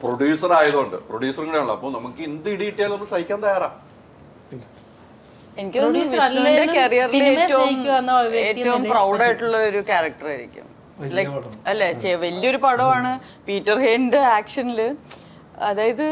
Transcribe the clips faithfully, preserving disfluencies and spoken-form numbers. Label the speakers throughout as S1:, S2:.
S1: Producer ആയതുകൊണ്ട് പ്രൊഡ്യൂസറും കൂടെ ആണല്ലോ, അപ്പൊ നമുക്ക് എന്ത് ഇടി കിട്ടിയാലും നമ്മൾ സഹിക്കാൻ തയ്യാറാ.
S2: എനിക്ക് വിഷ്ണുവിന്റെ കരിയറിൽ ഏറ്റവും ഏറ്റവും പ്രൗഡ് ആയിട്ടുള്ള ഒരു ക്യാരക്ടർ ആയിരിക്കും. അല്ലെ, വലിയൊരു പടമാണ് പീറ്റർ ഹെയിന്റെ ആക്ഷനില്. അതായത്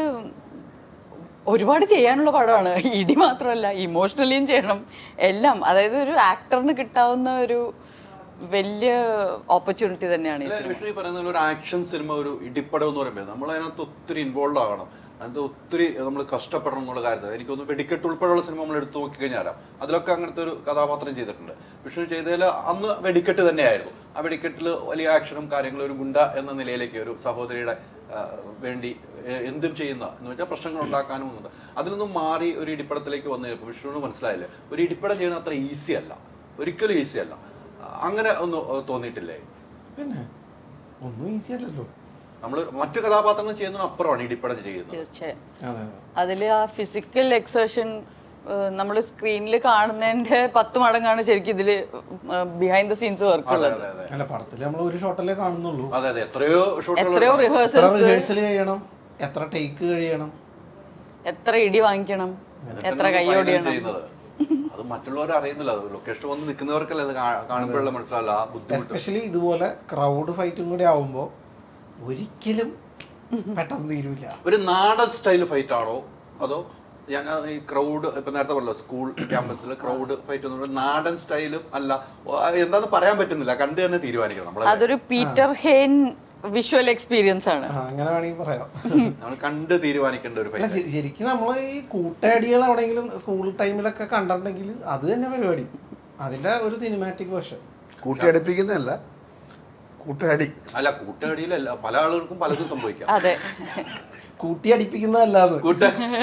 S2: ഒരുപാട് ചെയ്യാനുള്ള പടമാണ്. ഇടി മാത്രമല്ല, ഇമോഷണലിയും ചെയ്യണം എല്ലാം. അതായത് ഒരു ആക്ടറിന് കിട്ടാവുന്ന ഒരു വലിയ ഓപ്പർച്യൂണിറ്റി തന്നെയാണ്
S1: വിഷ്ണു പറയുന്ന ഒരു ആക്ഷൻ സിനിമ, ഒരു ഇടിപ്പടം എന്ന് പറയുമ്പോൾ നമ്മൾ അതിനകത്ത് ഒത്തിരി ഇൻവോൾവ് ആകണം, അതിനകത്ത് ഒത്തിരി നമ്മൾ കഷ്ടപ്പെടണം എന്നുള്ള കാര്യത്തിൽ എനിക്കൊന്ന് വെടിക്കെട്ട് ഉൾപ്പെടെയുള്ള സിനിമ നമ്മൾ എടുത്തു നോക്കി കഴിഞ്ഞാൽ അതിലൊക്കെ അങ്ങനത്തെ ഒരു കഥാപാത്രം ചെയ്തിട്ടുണ്ട്. വിഷ്ണു ചെയ്തതിൽ അന്ന് വെടിക്കെട്ട് തന്നെയായിരുന്നു. ആ വെടിക്കെട്ടിൽ വലിയ ആക്ഷനും കാര്യങ്ങളും ഒരു ഗുണ്ട എന്ന നിലയിലേക്ക് ഒരു സഹോദരിയുടെ വേണ്ടി എന്തും ചെയ്യുന്ന എന്ന് വെച്ചാൽ പ്രശ്നങ്ങൾ ഉണ്ടാക്കാനും ഉണ്ട്. അതിൽ നിന്നും മാറി ഒരു ഇടിപ്പടത്തിലേക്ക് വന്നു കഴിഞ്ഞപ്പോൾ വിഷ്ണുവിന് മനസ്സിലായില്ലേ ഒരു ഇടിപ്പടം ചെയ്യുന്നത് അത്ര ഈസി അല്ല, ഒരിക്കലും ഈസി അല്ല. അങ്ങനെ ഒന്ന് തോന്നിയിട്ടില്ലേ?
S3: പിന്നെ ഒന്നും ഈസി അല്ലല്ലോ.
S1: നമ്മള് മറ്റു കഥാപാത്രങ്ങൾ ചെയ്യുന്നതിന് അപ്പുറമാണ് ഇടിപ്പടം ചെയ്യുന്നത്.
S2: തീർച്ചയായും അതില് ആ ഫിസിക്കൽ എക്സേഷൻ നമ്മൾ സ്ക്രീനിൽ കാണുന്നതിന്റെ പത്ത് മടങ്ങാണ് ശരിക്കും ഇതില് ബിഹൈൻഡ് ദ സീൻസ് വർക്ക് ഉള്ളത്.
S3: പടത്തില് നമ്മൾ ഒരു ഷോട്ടല്ലേ കാണുന്നുള്ളൂ.
S1: അതെ അതെ എത്രയോ
S2: എത്രയോ
S3: റിഹേഴ്സൽ കഴിയണം, എത്ര ടേക്ക് കഴിയണം,
S2: എത്ര ഇടി വാങ്ങിക്കണം, എത്ര കൈയോടിയണം.
S1: അത് മറ്റുള്ളവർ അറിയുന്നില്ല, ലൊക്കേഷൻ വന്ന് നിൽക്കുന്നവർക്കല്ലേ അത് കാണുമ്പോഴല്ല മനസ്സിലാവില്ല ആ ബുദ്ധിമുട്ട്.
S3: എസ്പെഷ്യലി ഇതുപോലെ ക്രൗഡ് ഫൈറ്റും കൂടി ആവുമ്പോ ഒരിക്കലും പെട്ടെന്ന് തീരുമില്ല.
S1: ഒരു നാടൻ സ്റ്റൈൽ ഫൈറ്റ് ആണോ അതോ ഞാൻ ഈ ക്രൗഡ് ഇപ്പൊ നേരത്തെ പറഞ്ഞല്ലോ സ്കൂൾ ക്യാമ്പസിൽ ക്രൗഡ് ഫൈറ്റ് എന്ന് പറയുന്നത് നാടൻ സ്റ്റൈലും അല്ല, എന്താന്ന് പറയാൻ പറ്റുന്നില്ല, കണ്ടു തന്നെ തീരുമാനിക്കണം നമ്മൾ.
S2: അതൊരു പീറ്റർ ഹെയിൻ വിഷ്വൽ എക്സ്പീരിയൻസ് ആണ്,
S3: അങ്ങനെ വേണമെങ്കിൽ പറയാം.
S1: നമ്മൾ കണ്ട് തീരുമാനിക്കേണ്ട ഒരു ഫൈറ്റ്.
S3: ശരിക്കും നമ്മൾ ഈ കൂട്ടയടികൾ എവിടെയെങ്കിലും സ്കൂൾ ടൈമിലൊക്കെ കണ്ടിട്ടുണ്ടെങ്കിൽ അത് തന്നെ പരിപാടി, അതിന്റെ ഒരു സിനിമാറ്റിക് വേർഷൻ.
S4: കൂട്ടിയടിപ്പിക്കുന്നതല്ല, കൂട്ടയടി
S1: അല്ല, കൂട്ടയടിയിലല്ല, പല ആളുകൾക്കും പലതും സംഭവിക്കാം.
S2: അതെ,
S3: കൂട്ടി അടിപ്പിക്കുന്നതല്ലാതെ
S1: കൂട്ട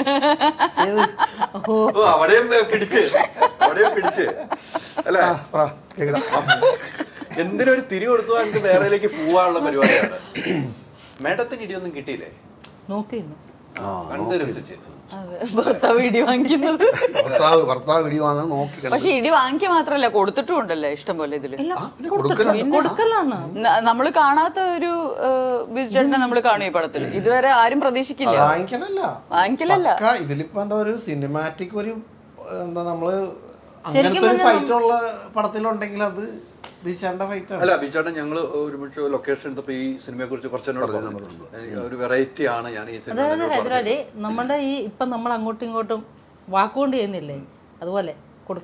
S1: അവിടെയും പിടിച്ച് അവിടെയും പിടിച്ച് അല്ലേ, എന്തിനൊരു തിരി കൊടുത്തു എനിക്ക് വേറെയിലേക്ക് പോവാനുള്ള പരിപാടിയാണ്. മേഡത്തിന് ഇടിയൊന്നും കിട്ടിയില്ലേ?
S5: നോക്കിയിരുന്നു,
S1: കണ്ട് രസിച്ച്.
S2: ഭർത്താവ് ഇടി വാങ്ങിക്കുന്നത്,
S4: ഭർത്താവ് ഭർത്താവ് ഇടി വാങ്ങാൻ നോക്കി.
S2: പക്ഷെ ഇടി വാങ്ങിക്കുക മാത്രല്ല കൊടുത്തിട്ടും ഉണ്ടല്ലേ ഇഷ്ടം പോലെ ഇതില്.
S5: കൊടുക്കലാണ്
S2: നമ്മള് കാണാത്ത ഒരു ബിജുചേട്ടനെ നമ്മള് കാണും ഈ പടത്തിൽ. ഇതുവരെ ആരും പ്രതീക്ഷിക്കില്ല.
S3: വാങ്ങിക്കലല്ല
S2: വാങ്ങിക്കലല്ല
S3: ഇതിലിപ്പോ എന്താ ഒരു സിനിമാറ്റിക് ഒരു എന്താ നമ്മള് അങ്ങനത്തെ ഒരു ഫൈറ്റ് ഉള്ള പടത്തിലുണ്ടെങ്കിൽ അത്
S1: അല്ല ബിജുചേട്ടൻ ഞങ്ങൾ ഒരുമിച്ച് ലൊക്കേഷൻ എടുത്തപ്പോ ഈ സിനിമയെ കുറിച്ച് കുറച്ച് ഒരു വെറൈറ്റി ആണ് ഞാൻ ഈ സിനിമ.
S5: അതായത് ഹൈദരാലി നമ്മുടെ ഈ ഇപ്പൊ നമ്മൾ അങ്ങോട്ടും ഇങ്ങോട്ടും വാക്കുകൊണ്ട് ചെയ്യുന്നില്ലേ, അതുപോലെ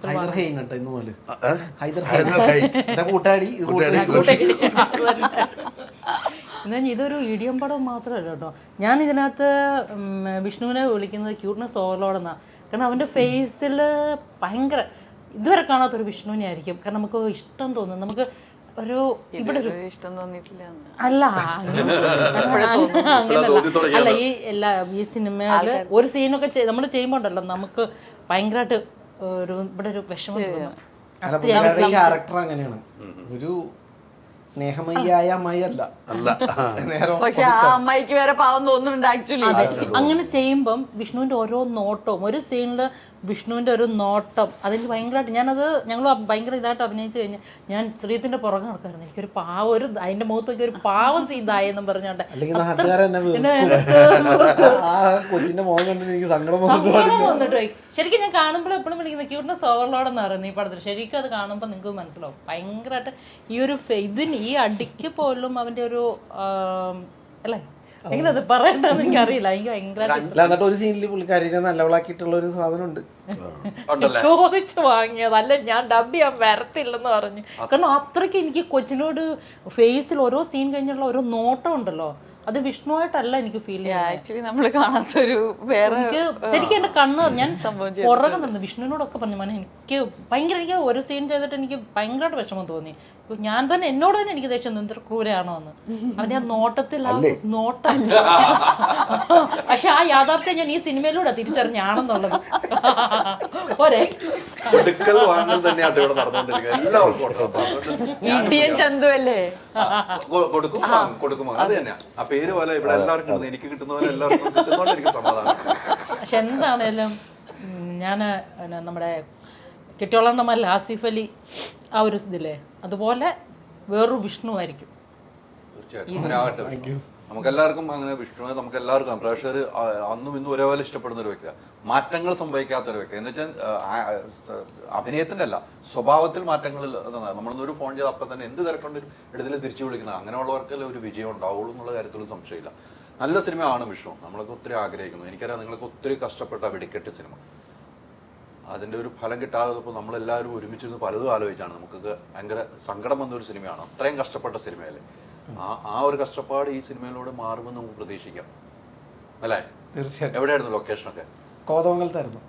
S5: എന്നാ ഇതൊരു ഇടിയം പടം മാത്രമല്ല കേട്ടോ. ഞാൻ ഇതിനകത്ത് വിഷ്ണുവിനെ വിളിക്കുന്നത് ക്യൂട്ട്നെസ് ഓവർലോഡ് എന്നാ. കാരണം അവന്റെ ഫേസിൽ ഭയങ്കര ഇതുവരെ കാണാത്തൊരു വിഷ്ണുവിനെ ആയിരിക്കും. കാരണം നമുക്ക് ഇഷ്ടം തോന്നും, നമുക്ക് ഒരു ഇവിടെ ഒരു
S2: ഇഷ്ടം തോന്നിയിട്ടില്ല
S5: അല്ല അല്ല ഈ എല്ലാ ഈ സിനിമയില് ഒരു സീനൊക്കെ നമ്മൾ ചെയ്യുമ്പോ ഉണ്ടല്ലോ നമുക്ക് ഭയങ്കരമായിട്ട് ഒരു ഇവിടെ ഒരു വിഷമം തോന്നും.
S3: ക്യാരക്ടർ അങ്ങനെയാണ്, ഒരു സ്നേഹമയ്യായ അമ്മായി അല്ല.
S2: പക്ഷെ ആ അമ്മായിക്ക് വേറെ പാവം തോന്നുന്നുണ്ട് ആക്ച്വലി.
S5: അങ്ങനെ ചെയ്യുമ്പം വിഷ്ണുവിന്റെ ഓരോ നോട്ടവും ഒരു സീനില് വിഷ്ണുവിന്റെ ഒരു നോട്ടം അതിൽ ഭയങ്കരമായിട്ട് ഞാനത് ഞങ്ങൾ ഭയങ്കര ഇതായിട്ട് അഭിനയിച്ചു കഴിഞ്ഞാൽ ഞാൻ ശ്രീത്തിന്റെ പുറകെ നടക്കായിരുന്നു. എനിക്കൊരു പാവം ഒരു അതിന്റെ മുഖത്തൊക്കെ ഒരു പാവം സീതായെന്നും പറഞ്ഞോണ്ട് വന്നിട്ട് ശരിക്കും ഞാൻ കാണുമ്പോൾ എപ്പോഴും വിളിക്കുന്ന ക്യൂട്ട്നെസ് ഓവർലോഡ് എന്ന് പറയുന്നത് ഈ പടത്തിൽ. ശരിക്കും അത് കാണുമ്പോൾ നിങ്ങൾക്ക് മനസ്സിലാവും ഭയങ്കരമായിട്ട് ഈ ഒരു ഇതിന് ഈ അടിക്ക് പോലും അവന്റെ ഒരു അല്ലേ എങ്ങനെ അത് പറയണ്ടെന്ന് എനിക്ക് അറിയില്ല. എനിക്ക് ഭയങ്കര
S3: ഒരു സീനിൽ പുള്ളിക്കാരിനെ നല്ലവളാക്കിയിട്ടുള്ള ഒരു സാധനം ഉണ്ട്,
S5: ചോദിച്ചു വാങ്ങിയത് അല്ല, ഞാൻ ഡബ് ചെയ്യാൻ വരത്തില്ലെന്ന് പറഞ്ഞു. കാരണം അത്രയ്ക്ക് എനിക്ക് കൊച്ചിനോട് ഫേസിൽ ഓരോ സീൻ കഴിഞ്ഞുള്ള ഓരോ നോട്ടം ഉണ്ടല്ലോ, അത് വിഷ്ണുവായിട്ടല്ല എനിക്ക് ഫീൽ ചെയ്യാം.
S2: ആക്ച്വലി നമ്മള് കാണാത്തൊരു വേറെ
S5: എനിക്ക് ശരിക്കും എന്റെ കണ്ണ് ഞാൻ പുറകെ നടന്നു വിഷ്ണുവിനോടൊക്കെ പറഞ്ഞു മോനെ എനിക്ക് ഭയങ്കര എനിക്ക് ഒരു സീൻ ചെയ്തിട്ട് എനിക്ക് ഭയങ്കരമായിട്ട് വിഷമം തോന്നി. ഞാൻ തന്നെ എന്നോട് തന്നെ എനിക്ക് ദേഷ്യം എന്തൊരു ക്രൂരാണോ എന്ന്. അവന്റെ ആ നോട്ടത്തിൽ ആ നോട്ടം പക്ഷെ ആ യാഥാർത്ഥ്യം ഞാൻ ഈ സിനിമയിലൂടെ തിരിച്ചറിഞ്ഞാണെന്നുള്ളത് പോരെ.
S2: ഇന്ത്യൻ ചന്തു അല്ലേ
S1: കൊടുക്കും കൊടുക്കും അത് തന്നെ ആ പേര് പോലെ ഇവിടെ എല്ലാവർക്കും എനിക്ക് കിട്ടുന്ന പോലെ എല്ലാവർക്കും കിട്ടുന്നതുകൊണ്ട് എനിക്ക് സമാധാനം.
S5: പക്ഷെ എന്താണേലും ഞാൻ നമ്മുടെ കെട്ടിയോളണ്ണമല്ല ആസിഫ് അലി ആ ഒരു ഇതില്ലേ അതുപോലെ വേറൊരു വിഷ്ണു ആയിരിക്കും.
S1: നമുക്ക് എല്ലാവർക്കും അങ്ങനെ വിഷ്ണുവിനെ നമുക്ക് എല്ലാവർക്കും പ്രേക്ഷകർ അന്നും ഇന്നും ഒരേപോലെ ഇഷ്ടപ്പെടുന്ന ഒരു വ്യക്തിയാണ്. മാറ്റങ്ങൾ സംഭവിക്കാത്ത ഒരു വ്യക്തി എന്ന് വെച്ചാൽ അഭിനയത്തിന്റെ അല്ല, സ്വഭാവത്തിൽ മാറ്റങ്ങൾ. നമ്മളൊന്നൊരു ഫോൺ ചെയ്ത് അപ്പം തന്നെ എന്ത് തിരക്കൊണ്ട് എടുത്തിൽ തിരിച്ചു വിളിക്കുന്നത്, അങ്ങനെയുള്ളവർക്കെല്ലാം ഒരു വിജയം ഉണ്ടാവുള്ളൂ എന്നുള്ള കാര്യത്തിലും സംശയമില്ല. നല്ല സിനിമയാണ് വിഷ്ണു, നമ്മളൊക്കെ ഒത്തിരി ആഗ്രഹിക്കുന്നു. എനിക്കറിയാം നിങ്ങൾക്ക് ഒത്തിരി കഷ്ടപ്പെട്ട വെടിക്കെട്ട് സിനിമ, അതിൻ്റെ ഒരു ഫലം കിട്ടാതെ നമ്മളെല്ലാവരും ഒരുമിച്ചിരുന്ന് പലതും ആലോചിച്ചാണ്. നമുക്കൊക്കെ ഭയങ്കര സങ്കടം വന്നൊരു സിനിമയാണ്, അത്രയും കഷ്ടപ്പെട്ട സിനിമയല്ലേ. ആ ആ ഒരു കഷ്ടപ്പാട് ഈ സിനിമയിലൂടെ മാറുമെന്ന് നമുക്ക് പ്രതീക്ഷിക്കാം അല്ലേ?
S3: തീർച്ചയായിട്ടും.
S1: എവിടെയായിരുന്നു ലൊക്കേഷനൊക്കെ?
S3: കോതമംഗലത്തായിരുന്നു.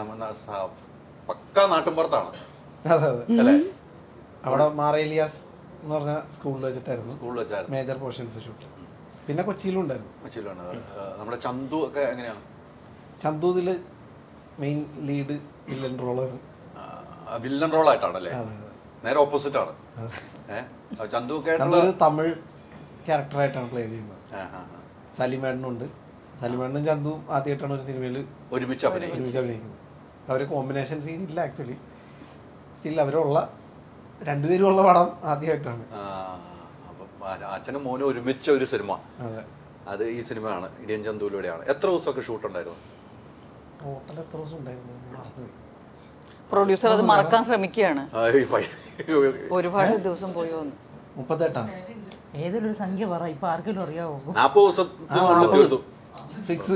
S1: പക്കാ നാട്ടിൻപുറത്താണ്
S3: അതെ അതെ
S1: അല്ലേ?
S3: അവിടെ മാറേലിയാസ് എന്ന് പറഞ്ഞ സ്കൂളിൽ വെച്ചിട്ടായിരുന്നു
S1: സ്കൂളിൽ വെച്ചായിരുന്നു
S3: മേജർ പോർഷൻസ് ഷൂട്ട്. പിന്നെ കൊച്ചിയിലും ഉണ്ടായിരുന്നു.
S1: കൊച്ചിയിലാണ്. നമ്മുടെ ചന്തു ഒക്കെ എങ്ങനെയാണ്?
S3: ചന്തു ഇതില് മെയിൻ ലീഡ് വില്ലൻ റോളാണ്.
S1: വില്ലൻ റോളായിട്ടാണല്ലേ?
S3: അതെ അതെ.
S1: നേരെ ഓപ്പോസിറ്റ് ആണ്. ഏഹ് ചന്തു ഒക്കെ
S3: ചന്തു ഒരു തമിഴ് ക്യാരക്ടറായിട്ടാണ് പ്ലേ ചെയ്യുന്നത്. സലിമേടനുണ്ട്. സലിമേടനും ചന്തു ആദ്യമായിട്ടാണ് ഒരു സിനിമയിൽ
S1: ഒരുമിച്ച് അഭിനയിക്കുന്നത്.
S3: ഒരുമിച്ച് അഭിനയിക്കുന്നത്. അവർ കോമ്പിനേഷൻ സീൻ ഇല്ല ആക്ച്വലി. സ്റ്റിൽ അവരുള്ള രണ്ടുപേരും ഉള്ള പടം ആദ്യമായിട്ടാണ്.
S1: അച്ഛനും മോനും ഒരുമിച്ച ഒരു സിനിമ, അത് ഈ സിനിമയാണ്, ഇടിയൻ ചന്തുവിലൂടെയാണ്. എത്ര ദിവസമൊക്കെ ഷൂട്ട് ഉണ്ടായിരുന്നു?
S3: ടോട്ടൽ എത്ര ദിവസം ഉണ്ടായിരുന്നു മറന്നുപോയി.
S2: പ്രൊഡ്യൂസർ അത് മറക്കാൻ ശ്രമിക്കുകയാണ്. ഒരുപാട് ദിവസം പോയി വന്നു.
S3: മുപ്പത്തെട്ടാം
S5: ഏതൊരു സംഖ്യ പറ, ഇപ്പൊ ആർക്കെങ്കിലും അറിയാവോ?
S1: നാപ്പത് ദിവസത്തിനുള്ളിൽ തീർത്തു.
S3: ഫിക്സ്.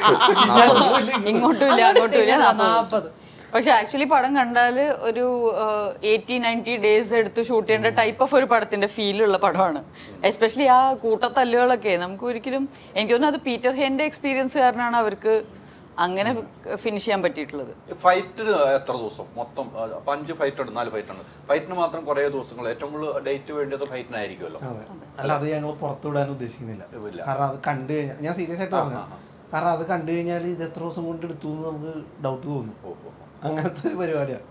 S2: ഇങ്ങോട്ടും ഇല്ല അങ്ങോട്ടും ഇല്ല, നാൽപ്പത്. പക്ഷെ ആക്ച്വലി പടം കണ്ടാല് ഒരു എയ്റ്റി നയൻറ്റി ഡേയ്സ് എടുത്ത് ഷൂട്ട് ചെയ്യേണ്ട ടൈപ്പ് ഓഫ് ഒരു പടത്തിന്റെ ഫീലുള്ള പടമാണ്. എസ്പെഷ്യലി ആ കൂട്ടത്തല്ലുകളൊക്കെ നമുക്ക് ഒരിക്കലും, എനിക്ക് തോന്നുന്നു അത് പീറ്റർ ഹെന്റെ എക്സ്പീരിയൻസ് കാരണമാണ് അവർക്ക് അങ്ങനെ ഫിനിഷ് ചെയ്യാൻ പറ്റിയിട്ടുള്ളത്.
S1: ഫൈറ്റിന് എത്ര ദിവസം മൊത്തം? അഞ്ച് ഫൈറ്റ് ഉണ്ട്, നാല് ഫൈറ്റ് ഉണ്ട്. ഫൈറ്റിന് മാത്രം കുറെ ദിവസങ്ങൾ, ഏറ്റവും കൂടുതൽ ഡേറ്റ് വേണ്ടത് ഫൈറ്റിനായിരിക്കുമല്ലോ.
S3: അല്ല, അത് ഞങ്ങൾ പുറത്തു വിടാൻ ഉദ്ദേശിക്കുന്നില്ല. കാരണം അത് കണ്ടു കഴിഞ്ഞാൽ, ഞാൻ സീരിയസ് ആയിട്ട് പറഞ്ഞു, കാരണം അത് കണ്ടു കഴിഞ്ഞാൽ ഇത് എത്ര ദിവസം കൊണ്ട് എടുത്തു എന്ന് നമുക്ക് ഡൗട്ട് തോന്നും. അങ്ങനത്തെ ഒരു പരിപാടിയാണ്.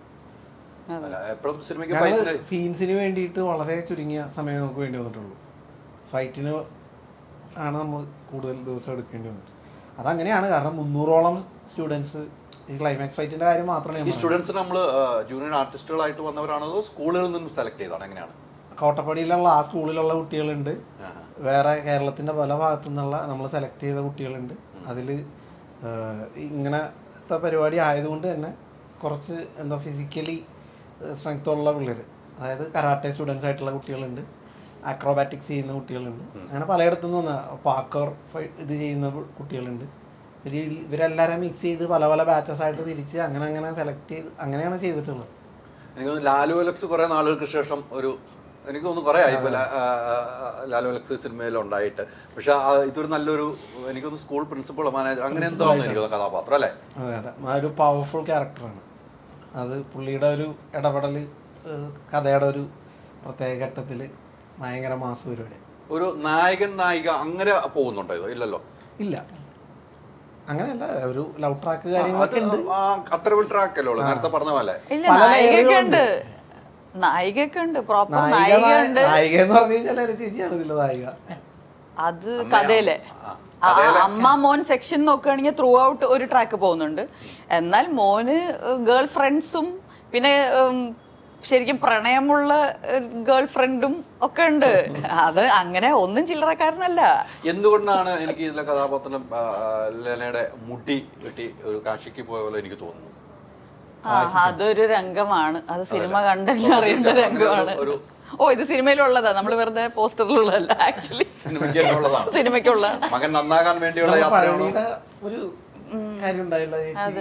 S3: സീൻസിന് വേണ്ടിയിട്ട് വളരെ ചുരുങ്ങിയ സമയം നമുക്ക് വേണ്ടി വന്നിട്ടുള്ളൂ. ഫൈറ്റിന് ആണ് നമ്മൾ കൂടുതൽ ദിവസം എടുക്കേണ്ടി വന്നിട്ട്. അതങ്ങനെയാണ്, കാരണം മുന്നൂറോളം സ്റ്റുഡൻസ് ഈ ക്ലൈമാക്സ് ഫൈറ്റിന്റെ കാര്യം മാത്രമേ.
S1: ഈ സ്റ്റുഡൻസ് നമ്മൾ ജൂനിയർ ആർട്ടിസ്റ്റുകളായിട്ട് വന്നവരാണോ അതോ സ്കൂളുകളിൽ നിന്നും സെലക്ട് ചെയ്താണ്? എങ്ങനെയാണ്?
S3: കോട്ടപ്പടിയിലുള്ള ആ സ്കൂളിലുള്ള കുട്ടികളുണ്ട്, വേറെ കേരളത്തിന്റെ പല ഭാഗത്തു നിന്നുള്ള നമ്മൾ സെലക്ട് ചെയ്ത കുട്ടികളുണ്ട്. അതിൽ ഇങ്ങനത്തെ പരിപാടി ആയതുകൊണ്ട് തന്നെ കുറച്ച് എന്താ ഫിസിക്കലി സ്ട്രെങ്ത് ഉള്ള പിള്ളേർ, അതായത് കരാട്ടെ സ്റ്റുഡൻസ് ആയിട്ടുള്ള കുട്ടികളുണ്ട്, അക്രോബാറ്റിക്സ് ചെയ്യുന്ന കുട്ടികളുണ്ട്, അങ്ങനെ പലയിടത്തു നിന്ന് വന്ന പാക്കർ ഇത് ചെയ്യുന്ന കുട്ടികളുണ്ട്. ഇവർ ഇവരെല്ലാവരും മിക്സ് ചെയ്ത് പല പല ബാച്ചസ് ആയിട്ട് തിരിച്ച് അങ്ങനെ അങ്ങനെ സെലക്ട് ചെയ്ത് അങ്ങനെയാണ് ചെയ്തിട്ടുള്ളത്.
S1: എനിക്ക് തോന്നുന്നു ലാലു അലക്സ് കുറെ നാളുകൾക്ക് ശേഷം ഒരു, എനിക്ക് തോന്നുന്നു കുറെ ആയി ലാലു അലക്സ് സിനിമയിൽ ഉണ്ടായിട്ട്. പക്ഷെ ഇതൊരു നല്ലൊരു, എനിക്കൊന്ന് സ്കൂൾ പ്രിൻസിപ്പൾ മാനേജർ അങ്ങനെ എന്താണെന്ന് എനിക്ക് കഥാപാത്രം അല്ലേ?
S3: അതെ അതെ, ഒരു പവർഫുൾ ക്യാരക്ടറാണ് അത്. പുള്ളിയുടെ ഒരു ഇടപെടൽ കഥയുടെ ഒരു പ്രത്യേക ഘട്ടത്തിൽ ഭയങ്കര മാസ് പരിപാടി.
S1: ഒരു നായകൻ നായിക അങ്ങനെ പോകുന്നുണ്ടോ? ഇല്ലല്ലോ.
S3: ഇല്ല, അങ്ങനെയല്ല. ഒരു ലവ് ട്രാക്ക് കാര്യങ്ങളൊക്കെ ഉണ്ട്.
S1: അത്ര ഒരു ട്രാക്ക് അല്ലോ നേരത്തെ പറഞ്ഞ പോലെ.
S2: ഇല്ല, നായികയൊക്കെ ഉണ്ട്, നായികയൊക്കെ ഉണ്ട്, പ്രോപ്പർ നായികയുണ്ട്.
S3: നായിക എന്ന് പറഞ്ഞു കഴിഞ്ഞാൽ ചേച്ചിയാണ് ഇതിലെ നായിക.
S2: അത് കഥയിലെ അമ്മ മോൻ സെക്ഷൻ നോക്കുകയാണെങ്കിൽ ത്രൂ ഔട്ട് ഒരു ട്രാക്ക് പോകുന്നുണ്ട്. എന്നാൽ മോന് ഗേൾ ഫ്രണ്ട്സും പിന്നെ ശരിക്കും പ്രണയമുള്ള ഗേൾ ഫ്രണ്ടും ഒക്കെ ഉണ്ട്. അത് അങ്ങനെ ഒന്നും ചില്ലറക്കാരനല്ല.
S1: എന്തുകൊണ്ടാണ് എനിക്ക് ഇതിലെ കഥാപാത്രം ലെനയുടെ മുടി വെട്ടി ഒരു കാശിക്ക് പോയ പോലെ എനിക്ക് തോന്നുന്നു.
S2: ആ, അതൊരു രംഗമാണ്, അത് സിനിമ കണ്ടല്ലോ അറിയേണ്ട രംഗമാണ്. ഓ, ഇത് സിനിമയിലുള്ളതാ, നമ്മൾ വെറുതെ പോസ്റ്ററിലുള്ളതല്ല, ആക്ച്വലി സിനിമയ്ക്കുള്ളതാണ്.
S1: മകൻ നന്നാകാൻ വേണ്ടിയുള്ള
S3: ഒരു കാര്യം ഉണ്ടായില്ല.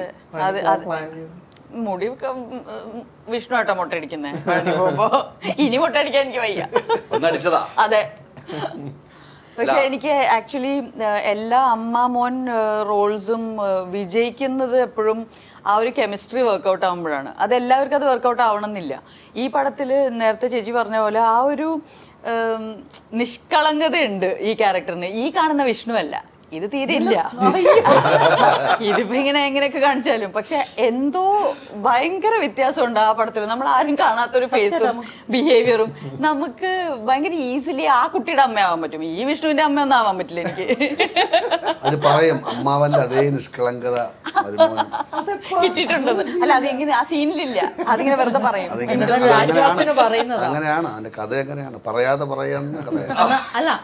S2: മുടി വിഷ്ണു ആട്ടോ മുട്ടടിക്കുന്നേ. ഇനി മുട്ടടിക്കാൻ എനിക്ക് വയ്യ. അതെ. പക്ഷെ എനിക്ക് ആക്ച്വലി എല്ലാ അമ്മ മോൻ റോൾസും വിജയിക്കുന്നത് എപ്പോഴും ആ ഒരു കെമിസ്ട്രി വർക്കൗട്ട് ആകുമ്പോഴാണ്. അത് എല്ലാവർക്കും അത് വർക്കൗട്ട് ആവണമെന്നില്ല. ഈ പടത്തിൽ നേരത്തെ ചേച്ചി പറഞ്ഞ പോലെ ആ ഒരു നിഷ്കളങ്കത ഉണ്ട് ഈ ക്യാരക്ടറിന്. ഈ കാണുന്ന വിഷ്ണു അല്ല, ഇത് തീരെ ഇല്ല. ഇതിപ്പോ ഇങ്ങനെ എങ്ങനെയൊക്കെ കാണിച്ചാലും പക്ഷെ എന്തോ ഭയങ്കര വ്യത്യാസമുണ്ട് ആ പടത്തിൽ. നമ്മൾ ആരും കാണാത്തൊരു ഫേസും ബിഹേവിയറും. നമുക്ക് ഭയങ്കര ഈസിലി ആ കുട്ടിയുടെ അമ്മയാവാൻ പറ്റും. ഈ വിഷ്ണുവിന്റെ അമ്മ ഒന്നും ആവാൻ പറ്റില്ല എനിക്ക്.
S4: അത് പറയും അമ്മാവന്റെ അതേ നിഷ്കളങ്കത
S2: കിട്ടിയിട്ടുണ്ടെന്ന്. അല്ല, അതെങ്ങനെ ആ സീനിലില്ല, അതിങ്ങനെ വെറുതെ പറയും.
S4: അങ്ങനെയാണ് അതിന്റെ കഥ, എങ്ങനെയാണ് പറയാതെ പറയാന്ന് കഥ.
S5: അല്ല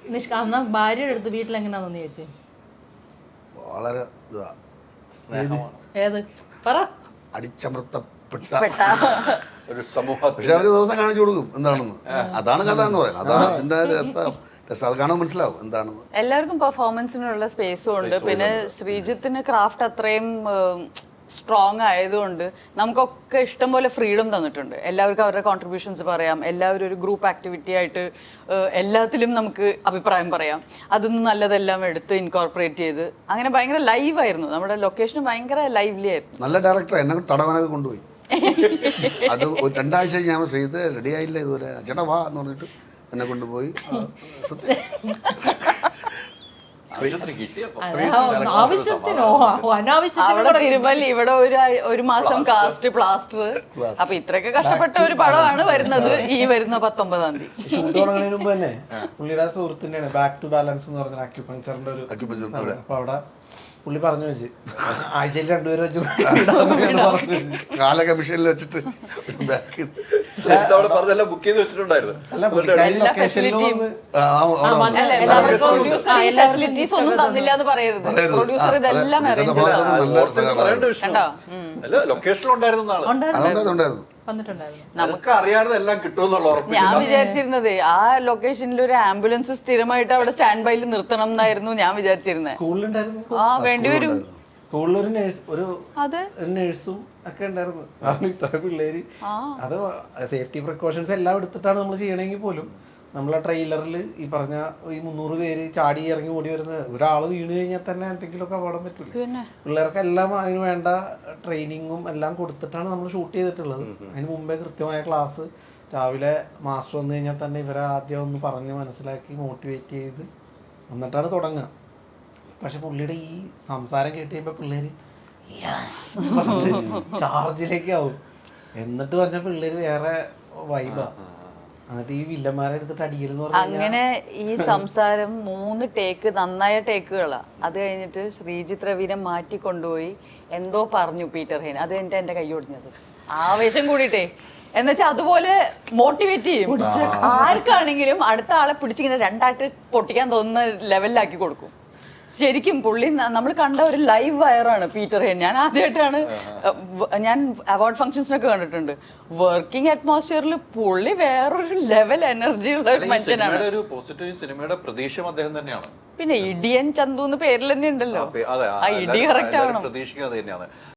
S5: നിഷ്ക എന്നാ ഭാര്യയുടെ അടുത്ത് വീട്ടിൽ എങ്ങനെയാണെന്ന് ചോദിച്ചേ?
S4: വളരെ ഇതാ
S5: ഏത് പറ.
S4: അടിച്ചമർത്തപ്പെട്ട
S1: ഒരു സമൂഹത്തിൽ
S4: പക്ഷെ അവര് ദിവസം കാണിച്ചു കൊടുക്കും എന്താണെന്ന്. അതാണ് കഥ എന്ന് പറയുന്നത്. അതാണ് അതിന്റെ രസം. രസം അത് കാണാൻ മനസ്സിലാവും എന്താണെന്ന്.
S2: എല്ലാവർക്കും പെർഫോമൻസിനുള്ള സ്പേസും ഉണ്ട്. പിന്നെ ശ്രീജിത്തിന് ക്രാഫ്റ്റ് അത്രയും സ്ട്രോങ് ആയതുകൊണ്ട് നമുക്കൊക്കെ ഇഷ്ടം പോലെ ഫ്രീഡം തന്നിട്ടുണ്ട്. എല്ലാവർക്കും അവരുടെ കോൺട്രിബ്യൂഷൻസ് പറയാം. എല്ലാവരും ഒരു ഗ്രൂപ്പ് ആക്ടിവിറ്റി ആയിട്ട് ഏഹ്, എല്ലാത്തിലും നമുക്ക് അഭിപ്രായം പറയാം. അതിന്ന് നല്ലതെല്ലാം എടുത്ത് ഇൻകോർപ്പറേറ്റ് ചെയ്ത് അങ്ങനെ ഭയങ്കര ലൈവായിരുന്നു. നമ്മുടെ ലൊക്കേഷനും ഭയങ്കര ലൈവ്ലി ആയിരുന്നു.
S4: നല്ല ഡയറക്ടർ എന്നെ തടവനൊക്കെ കൊണ്ടുപോയി. അത് ഒരു രണ്ടാഴ്ച ഞാൻ ശ്രീത് റെഡി ആയില്ല ഇതുവരെ ചേട്ടാ വാ എന്ന് പറഞ്ഞിട്ട് എന്നെ കൊണ്ടുപോയി. ആ, സത്യം.
S1: ആവശ്യത്തിന് കിട്ടിയപ്പോ
S5: ആവശ്യത്തിനോ അനാവശ്യത്തിനോ
S2: അവിടെ തിരുമൽ ഇവിടെ ഒരു ആഴ്- ഒരു മാസം കാസ്റ്റ് പ്ലാസ്റ്റർ. അപ്പൊ ഇത്രയൊക്കെ കഷ്ടപ്പെട്ട ഒരു പടമാണ് വരുന്നത് ഈ വരുന്ന പത്തൊമ്പതാം തീയതി.
S3: ഷൂട്ട് തുടങ്ങുന്നതിന് മുമ്പ് തന്നെ പുള്ളിയുടെ സുഹൃത്തിന്റെയാണ് ബാക്ക് ടു ബാലൻസ് എന്ന് പറഞ്ഞ അക്യുപങ്ചറിന്റെ ഒരു
S4: Acupuncture,
S3: സാധനം. അപ്പൊ അവിടെ പുള്ളി പറഞ്ഞു വെച്ച് ആഴ്ചയിൽ രണ്ടുപേരും വെച്ച് ഇടാന്ന് പറഞ്ഞു വെച്ച്.
S4: കാലൊക്കെ മിഷനിൽ വെച്ചിട്ട് ബാക്ക്
S1: അവിടെ പറഞ്ഞെല്ലാം ബുക്ക് ചെയ്ത് വെച്ചിട്ടുണ്ടായിരുന്നു.
S3: അല്ല പുള്ളിക്കാരി ലൊക്കേഷനിൽ വന്ന്
S2: ഫെസിലിറ്റീസ് ഒന്നും തന്നില്ല എന്ന് പറയരുത്. പ്രൊഡ്യൂസർ ഇതെല്ലാം അറേഞ്ച് ചെയ്തു.
S1: പറയേണ്ട വിഷയം
S2: കണ്ടോ?
S1: അല്ല ലൊക്കേഷനിൽ ഉണ്ടായിരുന്നതാണ്.
S4: അതുണ്ടായിരുന്നു.
S5: വന്നിട്ടുണ്ടായിരുന്നു.
S1: നമുക്ക് അറിയാതെ എല്ലാം കിട്ടുമെന്നുള്ള ഉറപ്പ്.
S2: ഞാൻ വിചാരിച്ചിരുന്നത് ആ ലൊക്കേഷനിൽ ഒരു ആംബുലൻസ് സ്ഥിരമായിട്ട് അവിടെ സ്റ്റാൻഡ് ബൈയിൽ നിർത്തണം എന്നായിരുന്നു ഞാൻ വിചാരിച്ചിരുന്നത്.
S3: സ്കൂളിലുണ്ടായിരുന്നു.
S2: ആ വേണ്ടിവരും.
S3: സ്കൂളിൽ ഒരു നേഴ്സ് ഒരു
S2: അതെ
S3: ഒരു നേഴ്സും ഒക്കെ ഉണ്ടായിരുന്നു. കാരണം ഇത്ര പിള്ളേര് അത് സേഫ്റ്റി പ്രിക്കോഷൻസ് എല്ലാം എടുത്തിട്ടാണ് നമ്മൾ ചെയ്യണമെങ്കിൽ പോലും നമ്മളെ ട്രെയിലറിൽ ഈ പറഞ്ഞ ഈ മുന്നൂറ് പേര് ചാടി ഇറങ്ങി ഓടി വരുന്നത് ഒരാൾ വീണ് കഴിഞ്ഞാൽ തന്നെ എന്തെങ്കിലുമൊക്കെ അപകടം പറ്റില്ല. പിള്ളേർക്കെല്ലാം അതിന് വേണ്ട ട്രെയിനിങ്ങും എല്ലാം കൊടുത്തിട്ടാണ് നമ്മൾ ഷൂട്ട് ചെയ്തിട്ടുള്ളത്. അതിന് മുമ്പേ കൃത്യമായ ക്ലാസ് രാവിലെ മാസ്റ്റർ വന്നു കഴിഞ്ഞാൽ തന്നെ ഇവരെ ആദ്യം ഒന്ന് പറഞ്ഞ് മനസ്സിലാക്കി മോട്ടിവേറ്റ് ചെയ്ത് എന്നിട്ടാണ് തുടങ്ങുക. പക്ഷെ പുള്ളിയുടെ ഈ സംസാരം കേട്ട് കഴിയുമ്പോൾ പിള്ളേര് ചാർജിലേക്ക് ആവും. എന്നിട്ട് പറഞ്ഞ പിള്ളേര് വേറെ വൈബാ. എന്നിട്ട് ഈ വില്ലന്മാരെ എടുത്തിട്ട് അടിക്കലെന്ന് പറഞ്ഞാൽ
S2: അങ്ങനെ ഈ സംസാരം മൂന്ന് ടേക്ക് നന്നായ ടേക്കുകളാ. അത് കഴിഞ്ഞിട്ട് ശ്രീജിത്ത് രവിനെ മാറ്റി കൊണ്ടുപോയി എന്തോ പറഞ്ഞു പീറ്റർ ഹെയ്ൻ. അത് എന്റെ എന്റെ കൈ ഒടിഞ്ഞത് ആവേശം കൂടിയിട്ടേ. എന്നുവെച്ചാൽ അതുപോലെ മോട്ടിവേറ്റ് ചെയ്യും. ആർക്കാണെങ്കിലും അടുത്ത ആളെ പിടിച്ചിങ്ങനെ രണ്ടായിട്ട് പൊട്ടിക്കാൻ തോന്നുന്ന ലെവലിലാക്കി കൊടുക്കും. ശരിക്കും പുള്ളി നമ്മൾ കണ്ട ഒരു ലൈവ് വയറാണ് പീറ്റർ ഹെയ്ൻ. ഞാൻ ആദ്യമായിട്ടാണ് ഞാൻ അവാർഡ് ഫംഗ്ഷൻസിനൊക്കെ കണ്ടിട്ടുണ്ട്. വർക്കിംഗ് അറ്റ്മോസ്ഫിയറിൽ പുള്ളി വേറൊരു ലെവൽ എനർജി ഉള്ള ഒരു മനുഷ്യനാണ്.
S1: ഒരു പോസിറ്റീവ് സിനിമയുടെ പ്രതീക്ഷയും അദ്ദേഹം തന്നെയാണ്.
S2: പിന്നെ ഇടിയൻ ചന്തു എന്ന് പേരിൽ തന്നെ ഉണ്ടല്ലോ.
S1: അതെ
S2: ആ ഇടി കറക്റ്റ് ആവണം.
S1: പ്രതീക്ഷിക്കുന്നത് തന്നെയാണ്.